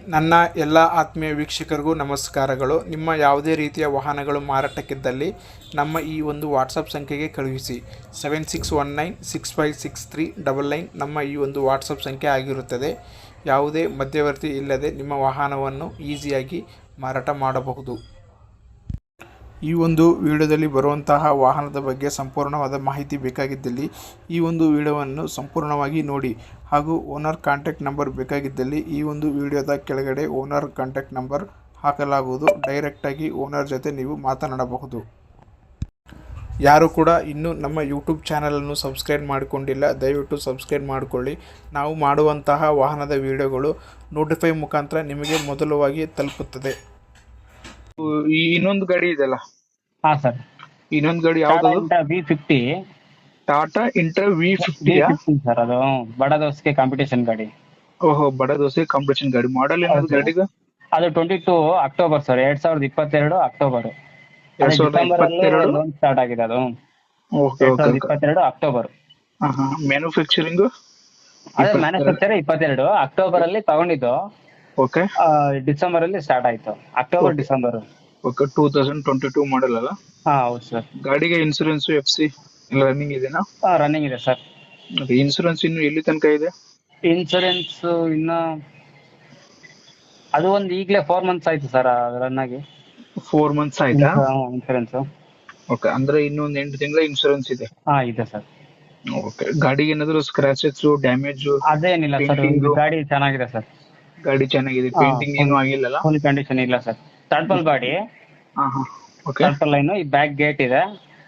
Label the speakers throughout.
Speaker 1: ನನ್ನ ಎಲ್ಲ ಆತ್ಮೀಯ ವೀಕ್ಷಕರಿಗೂ ನಮಸ್ಕಾರಗಳು. ನಿಮ್ಮ ಯಾವುದೇ ರೀತಿಯ ವಾಹನಗಳು ಮಾರಾಟಕ್ಕಿದ್ದಲ್ಲಿ ನಮ್ಮ ಈ ಒಂದು ವಾಟ್ಸಪ್ ಸಂಖ್ಯೆಗೆ ಕಳುಹಿಸಿ. 7619656399 ನಮ್ಮ ಈ ಒಂದು ವಾಟ್ಸಪ್ ಸಂಖ್ಯೆ ಆಗಿರುತ್ತದೆ. ಯಾವುದೇ ಮಧ್ಯವರ್ತಿ ಇಲ್ಲದೆ ನಿಮ್ಮ ವಾಹನವನ್ನು ಈಸಿಯಾಗಿ ಮಾರಾಟ ಮಾಡಬಹುದು. ಈ ಒಂದು ವಿಡಿಯೋದಲ್ಲಿ ಬರುವಂತಹ ವಾಹನದ ಬಗ್ಗೆ ಸಂಪೂರ್ಣವಾದ ಮಾಹಿತಿ ಬೇಕಾಗಿದ್ದಲ್ಲಿ ಈ ಒಂದು ವಿಡಿಯೋವನ್ನು ಸಂಪೂರ್ಣವಾಗಿ ನೋಡಿ. ಹಾಗೂ ಓನರ್ ಕಾಂಟ್ಯಾಕ್ಟ್ ನಂಬರ್ ಬೇಕಾಗಿದ್ದಲ್ಲಿ ಈ ಒಂದು ವಿಡಿಯೋದ ಕೆಳಗಡೆ ಓನರ್ ಕಾಂಟ್ಯಾಕ್ಟ್ ನಂಬರ್ ಹಾಕಲಾಗುವುದು. ಡೈರೆಕ್ಟಾಗಿ ಓನರ್ ಜೊತೆ ನೀವು ಮಾತನಾಡಬಹುದು. ಯಾರು ಕೂಡ ಇನ್ನೂ ನಮ್ಮ ಯೂಟ್ಯೂಬ್ ಚಾನಲನ್ನು ಸಬ್ಸ್ಕ್ರೈಬ್ ಮಾಡಿಕೊಂಡಿಲ್ಲ, ದಯವಿಟ್ಟು ಸಬ್ಸ್ಕ್ರೈಬ್ ಮಾಡಿಕೊಳ್ಳಿ. ನಾವು ಮಾಡುವಂತಹ ವಾಹನದ ವಿಡಿಯೋಗಳು ನೋಟಿಫೈ ಮುಖಾಂತರ ನಿಮಗೆ ಮೊದಲವಾಗಿ ತಲುಪುತ್ತದೆ.
Speaker 2: ಈ ಇನ್ನೊಂದು ಗಾಡಿ ಇದೆಲ್ಲ,
Speaker 3: ಹಾ ಸರ್,
Speaker 2: ಇನ್ನೊಂದು ಗಾಡಿ ಯಾವ್ದು?
Speaker 3: V50
Speaker 2: Tata inter V50
Speaker 3: sir. ಅದು ಬಡ ದೋಸ್ಗೆ ಕಾಂಪಿಟೇಷನ್ ಗಾಡಿ.
Speaker 2: ಓಹೋ, ಬಡ ದೋಸೆ ಕಾಂಪಿಟೇಷನ್ ಗಾಡಿ. ಮಾಡಲ್ ಏನದು ಗಾಡಿದು?
Speaker 3: ಅದು 22 October sir, 2022 October.
Speaker 2: 2022
Speaker 3: loan start ಆಗಿದೆ ಅದು.
Speaker 2: Okay okay
Speaker 3: 2022 October.
Speaker 2: ಮ್ಯಾನುಫ್ಯಾಕ್ಚರಿಂಗ್
Speaker 3: ಅದೇ ಮ್ಯಾನುಫ್ಯಾಕ್ಚರ್ 22 ಅಕ್ಟೋಬರ್ ಅಲ್ಲಿ ತಗೊಂಡಿದ್ದು.
Speaker 2: ಓಕೆ
Speaker 3: ಡಿಸೆಂಬರ್ ಅಲ್ಲಿ ಸ್ಟಾರ್ಟ್ ಆಯ್ತು. October December.
Speaker 2: ಓಕೆ 2022 ಮಾಡಲ್ ಅಲ್ಲ?
Speaker 3: ಹಾ ಹೌದು ಸರ್.
Speaker 2: ಗಾಡಿಗೆ ಇನ್ಸೂರೆನ್ಸ್ FC ಎಲ್ಲ ರನ್ನಿಂಗ್ ಇದೆನಾ?
Speaker 3: ರನ್ನಿಂಗ್ ಇದೆ ಸರ್.
Speaker 2: ಇನ್ಸೂರೆನ್ಸ್ ಇನ್ನು ಎಲ್ಲಿ ತನಕ ಇದೆ?
Speaker 3: ಇನ್ಸೂರೆನ್ಸ್ ಇನ್ನ ಅದು ಒಂದು ಈಗಲೇ 4 ಮಂತ್ಸ್ ಆಯ್ತು ಸರ್ ರನ್ ಆಗಿ.
Speaker 2: 4 ಮಂತ್ಸ್ ಆಯ್ತಾ?
Speaker 3: ಇನ್ಸೂರೆನ್ಸ್.
Speaker 2: ಓಕೆ, ಅಂದ್ರೆ ಇನ್ನೊಂದು 8 ತಿಂಗಳ ಇನ್ಸೂರೆನ್ಸ್ ಇದೆ.
Speaker 3: ಹಾ ಇದೆ ಸರ್.
Speaker 2: ಓಕೆ, ಗಾಡಿಗೆ ಏನಾದ್ರು ಸ್ಕ್ರಾಚಸ್ ಡ್ಯಾಮೇಜ್?
Speaker 3: ಅದೇನಿಲ್ಲ ಸರ್, ಗಾಡಿ ಚೆನ್ನಾಗಿದೆ ಸರ್.
Speaker 2: ಗಾಡಿ ಚೆನ್ನಾಗಿದೆ, ಪೇಂಟಿಂಗ್ ಏನು ಆಗಿಲ್ಲಲ್ಲ?
Speaker 3: ಫುಲ್ ಕಂಡೀಷನ್ ಇಲ್ಲ ಸರ್. ಟರ್ಪಲ್ ಬಾಡಿ,
Speaker 2: ಓಕೆ.
Speaker 3: ಟರ್ಪಲ್ ಲೈನ್, ಈ ಬ್ಯಾಕ್ ಗೇಟ್ ಇದೆ.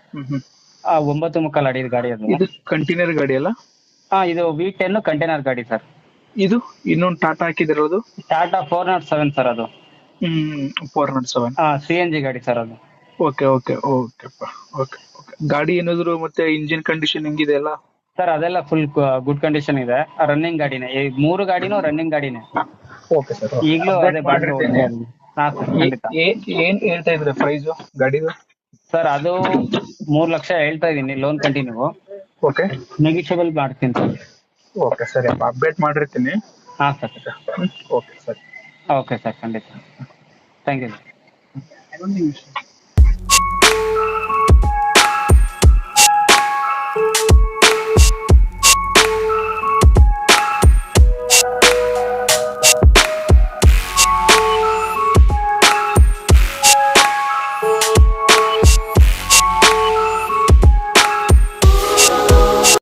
Speaker 3: 9.75 ಅಡಿ ಗಾಡಿ ಅದು.
Speaker 2: ಇದು ಕಂಟೈನರ್ ಗಾಡಿ ಅಲ್ಲ?
Speaker 3: ಇದು V10 ಕಂಟೈನರ್ ಗಾಡಿ ಸರ್.
Speaker 2: ಇದು ಇನ್ನೊಂದು ಟಾಟಾ ಹಾಕಿದಿರೋದು?
Speaker 3: ಟಾಟಾ 407 ಸರ್ ಅದು.
Speaker 2: 407
Speaker 3: CNG ಗಾಡಿ ಸರ್ ಅದು.
Speaker 2: ಓಕೆ ಓಕೆ ಓಕೆಪ್ಪ. ಓಕೆ ಓಕೆ, ಗಾಡಿ ಏನಾದ್ರು ಮತ್ತೆ ಇಂಜಿನ್ ಕಂಡೀಷನ್ ಹೆಂಗಿದೆ ಅಲ್ಲ?
Speaker 3: ಸರ್ ಅದೆಲ್ಲ ಫುಲ್ ಗುಡ್ ಕಂಡೀಷನ್ ಇದೆ. ರನ್ನಿಂಗ್ ಗಾಡಿನೇ, ಈ 3 ಗಾಡಿನೂ ರನ್ನಿಂಗ್ ಗಾಡಿನೇ.
Speaker 2: ಓಕೆ ಸರ್,
Speaker 3: ಈಗಲೂ ಅದೇ
Speaker 2: ಮಾಡಿರ್ತೇನೆ.
Speaker 3: ಹಾ ಸರ್, ಖಂಡಿತ.
Speaker 2: ಏನ್ ಹೇಳ್ತಾ ಇದ್ರೆ ಪ್ರೈಸ್ ಗಾಡಿದು?
Speaker 3: ಸರ್ ಅದು 3 ಲಕ್ಷ ಹೇಳ್ತಾ ಇದೀನಿ, ಲೋನ್ ಕಂಟಿನ್ಯೂ.
Speaker 2: ಓಕೆ,
Speaker 3: ನೆಗಿಷಿಯಬಲ್ ಮಾಡ್ತೀನಿ ಸರ್.
Speaker 2: ಓಕೆ ಸರಿ ಅಪ್ಪ, ಅಪ್ಡೇಟ್ ಮಾಡಿರ್ತೀನಿ.
Speaker 3: ಹಾ ಸರ್.
Speaker 2: ಓಕೆ ಸರಿ.
Speaker 3: ಓಕೆ ಸರ್, ಖಂಡಿತ. Thank you.